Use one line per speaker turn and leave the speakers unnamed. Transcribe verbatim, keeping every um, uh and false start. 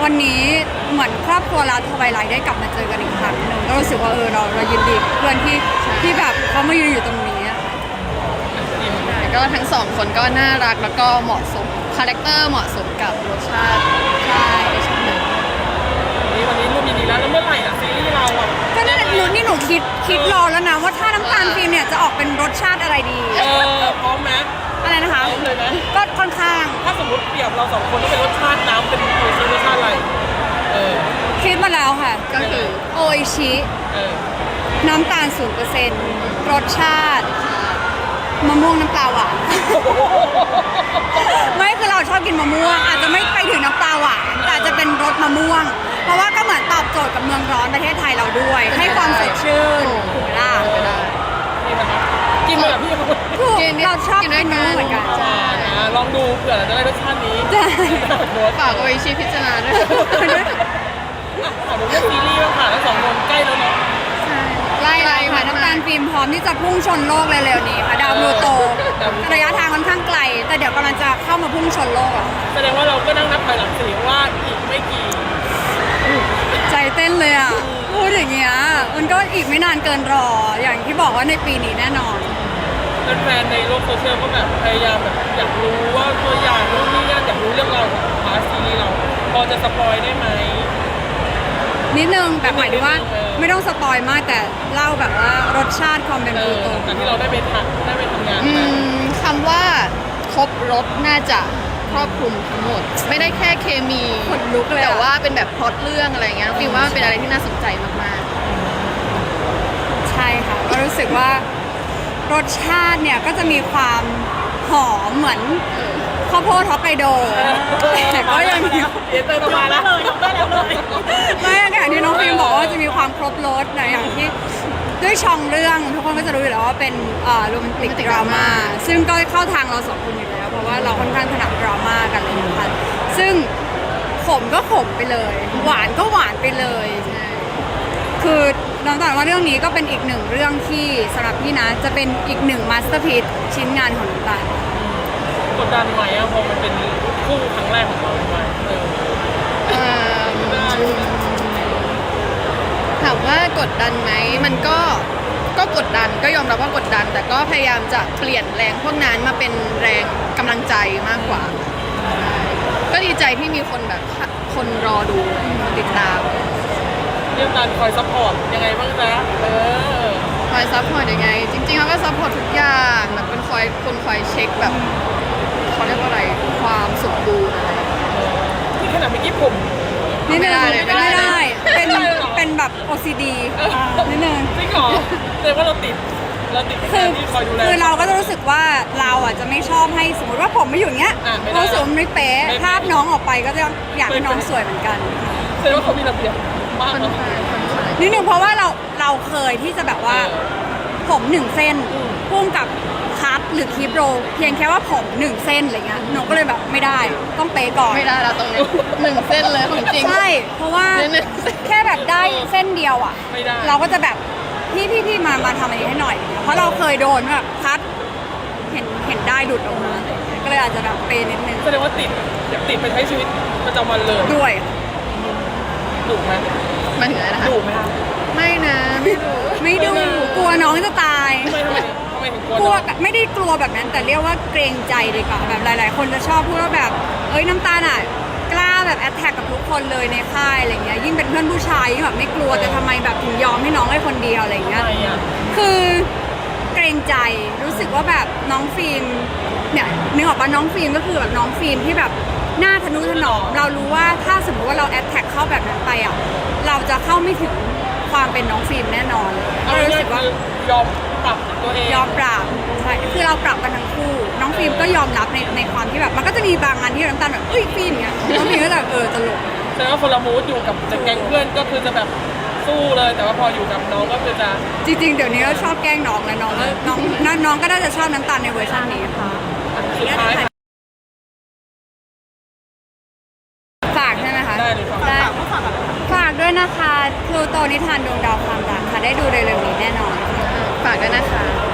วันนี้เหมือนครอบครัวเราทวายไลท์ได้กลับมาเจอกันอีกครั้งหนึ่งก็รู้สึกว่าเออเราเรายินดีกับเพื่อนที่ที่แบบเขามายืนอยู่ตรงนี้อะค่ะ
ก็ทั้งสองคนก็น่ารักแล้วก็เหมาะสมคาแรคเตอร์เหมาะสมกับรสชาติใช่ใช่
นี่วันนี้รูปยินดีแล้วแล้วเมื่อไหร่อ่ะซีรีส์เราอ่ะ
ก็นั่นแหละหนูนี่หนูคิดคิดรอแล้วนะว่าถ้าน้ำตาลฟิล์มเนี่ยจะออกเป็นรสชาติอะไรดี
เออพร้อมไหม
อะไรนะคะ
พร้อมเลยไหม
ก็ค่อนข้าง
ถ้าสมมติเปรียบเราสองคนต้องเป็นรสชาติน้ำเป็นโอซีรสชาติอะไรเออ
คิดมาแล้วค่ะ
ก็คือ
โออิชิ
เออ
น้ำตาลศูนย์เปอร์เซ็นต์รสชาติมะม่วงน้ำปลาหวาน ไม่คือเราชอบกินมะม่วง อาจจะไม่ไปถึงน้ำปลาหวานแต่อาจจะเป็นรสมะม่วง เพราะว่าก็เหมือนตอบโจทย์กับเมืองร้อนประเทศไทยเราด้วย ให้ความสดชื่นถูกไหมล่ะ
ไปได้
นี่นะครับกินมาแบบพี่เขา
ถูก
กินด้วย
เราชอบ
กิ
กิ
น
น
ด้วยกัน
มะม่วงเหมือนกัน
อ่านะลองดูเผื่อเราจะได้รสชาตินี้
ใช่
ฝากโออิชิพิจารณาด้วย
อ่ะถามถึงเรื่องซีรีส์บ้างค่ะทั้งสองคนใกล้แล้วเนาะ
ไล่เลยค่ะน้ำตาลฟิล์มพร้อมที่จะพุ่งชนโลกเร็วๆนี้ค่ะดาวพลูโต ระยะทางค่อนข้างไกล แต่เดี๋ยวกำลังจะเข้ามาพุ่งชนโลกแล้วค่ะ
แสดงว่าเราก็นั่งนับถอยหลังสิว่าอีกไม่กี่
ใจเต้นเลยอ่ะ พูดอย่างเงี้ยมันก็อีกไม่นานเกินรอ อย่างที่บอกว่าในปีนี้แน่นอน
แฟนๆในโลกโซเชียลก็แบบพยายามแบบอยากรู้ว่าตัวอย่างนู่นนี่นั่นอยากรู้เรื่องราวของพาร์ทซีรีส์เรา พอจะสปอยได้ไหม
นิดนึงแบบหมายถึงว่า
นิดนึงเออ
ไม่ต้องสปอยมากแต่เล่าแบบว่ารสชาติความเป็น
เอ
พลู
อ
โต
จากที่เราได้ไปทำได้ไปทำงาน
อื
มาม
คำว่าครบรสน่าจะครอบคลุมทั้งหมด ไม่ได้แค่เคมี
ขนลุกเลยอะ
แต่ว่าเป็นแบบพล็อตเรื่องอะไรเงี้ยน้องฟิลว่ามันเป็นอะไรที่น่าสนใจมาก
ใช่ค่ะ ก็รู้สึกว่ารสชาติเนี่ยก็จะมีความหอมเหมือนข้าวโพดฮอกไกโดแต่ก็ยังมี
เดี๋ยวเติมมาแล้วเลยได้แล้วเลย
ไม่อย่างที่น้องฟิล์มบอกว่าจะมีความครบรสนะอย่างที่ด้วยช่องเรื่องทุกคนก็จะรู้อยู่แล้วว่าเป็นโรแมนติกดราม่าซึ่งก็เข้าทางเราสองคนอยู่แล้วเพราะว่าเราค่อนข้างถนัดดราม่ากันเลยนะคะซึ่งขมก็ขมไปเลย หวานก็หวานไปเลย คือน้องตาลว่าเรื่องนี้ก็เป็นอีกหนึ่งเรื่องที่สำหรับพี่นะจะเป็นอีกหนึ่งมาสเตอร์พีซชิ้นงานของน้องตาล
กดดันไหมอะพอมันเป็นคู่ครั้งแรกของเราด้วยเออ
ๆเอิ่มถามว่ากดดันไหมมันก็ก็กดดันก็ยอมรับว่ากดดัน แต่ก็พยายามจะเปลี่ยนแรงพวกนั้นมาเป็นแรงกำลังใจมากกว่าใช่ก็ดีใจที่มีคนแบบคนรอดูคนติดตาม
เรื่องการคอยซัพพอร์ตยังไงบ้างจ๊ะเออ
คอยซัพพอร์ตยังไง จริงๆเขาก็ซัพพอร์ตทุกอย่างแบบเป็นคอยคนคอยเช็คแบบเขาเรียกว่าอะไรความสมบูรณ์อะไร
ที่ขนาดเมื่อกี้ผม
นิดนึง
ไม่ได้เลยไม่
ไม่
ได้
ได้ เป็น
ไม่ได้หรอ
เป็นแบบ โอ ซี ดี นิดนึง
จริงเหรอแสดงว่าเราติดเราติดใน
คื
กา
อ
รที่คอยดูแล
คือเราก็จะรู้สึกว่าเราอ่ะจะไม่ชอบให้สมมติว่าผมไม่อยู่อย่างเงี้ย
อ่ะไม่ได้
เรารู้สึกว่ามันไม่เป๊ะ
ไม่เป๊ะ
ภาพน้องออกไปก็จะอยากให้น้องสวยเหมือนกัน
แสดงว่าเขามีระเบียบมาก
ค่อน
เนาะ
ข้างค่อนข้าง
นิดนึงเพราะว่าเราเราเคยที่จะแบบว่า
เออ
ผมหนึ่งเส้น
อืม
พุ่งกับคัทหรือคลิปโรลเพียงแค่ว่าผมหนึ่งเส้นอะไรเงี้ยหนูก็เลยแบบไม่ได้ต้องเป๊ะก่อน
ไม่ได้ละตรงนี้หนึ่งเส้นเลยของจริง
ใช่เพราะว่า
หนึ่งเส้น
แค่แบบได้เส้นเดียวอ่ะ
ไม่ได้
เราก็จะแบบพี่พี่พี่มามาทำอะไรให้หน่อยเพราะเราเคยโดนแบบคัทเห็นเห็นได้ดุดออกมาอะไรเงี้ยก็เลยอาจจะแบบเป๊ะนิดนึง
แสดงว่าติดติดไปใช้ชีวิตประจำวันเลย
ด้วย
ดุไหม
มาถึงอะไรนะคะ
ดุไหมคะ
ไม่นะไม่รู้
ไม่ดูกลัวน้องจะตาย
ทำไมทำไมทำไมถึงกลัว
กลัว
น้อง
แบบไม่ได้กลัวแบบนั้น แต่เรียกว่าเกรงใจดีกว่าแบบหลาย ๆ คนจะชอบพูดว่าแบบเอ้ยน้ำตาลอ่ะกล้าแบบแอดแทกกับทุกคนเลยในค่ายอะไรเงี้ยยิ่งเป็นเพื่อนผู้ชายยิ่งแบบไม่กลัวแต่ทำไมแบบถึงยอมให้น้องให้คนเดียวอะไรเงี้ย
ทำไมอ่ะ
คือเกรงใจรู้สึกว่าแบบน้องฟิล์มเนี่ยนึกออกปะน้องฟิล์มก็คือแบบน้องฟิล์มที่แบบหน้าทะนุถนอมเรารู้ว่าถ้าสมมติว่าเราแอดแท็กเข้าแบบนั้นไปอ่ะเราจะเข้าไม่ถึงความเป็นน้องฟิล์มแน่นอนเลย
เอา
ก็รู้
ง่าย
สึก
ๆ
ว่า
คือยอมปรับตัวเอง
ยอมปรับใช่คือเราปรับกันทั้งคู่ น้องฟิล์มก็ยอมรับในในความที่แบบมันก็จะมีบางงานที่น้ำตาลแบบเอ้ยฟิล์มเงี้ยน้องฟิล์มก็จะเออตลก
แสดงว่าคนละมูดอยู่กับแต่แก๊งเพื่อนก็คือจะแบบสู้เลย แต่ว่าพออยู่กับน้องก็คือจะ
จริง ๆ เดี๋ยวนี้ก็ชอบแกล้งน้องแล้วน้องก็น้องน้องก็น่าจะชอบน้ำตาลในเวอร์ชันนี้ค่ะ
สุดท้ายค่ะ
ฝากใช่ไหมคะ
ได้เลยครับ
ได้ฝากด้วยนะคะพลูโตนิทานดวงดาวความรักค่ะได้ดูเร็วๆนี้แน่นอน
ฝากด้วยนะคะ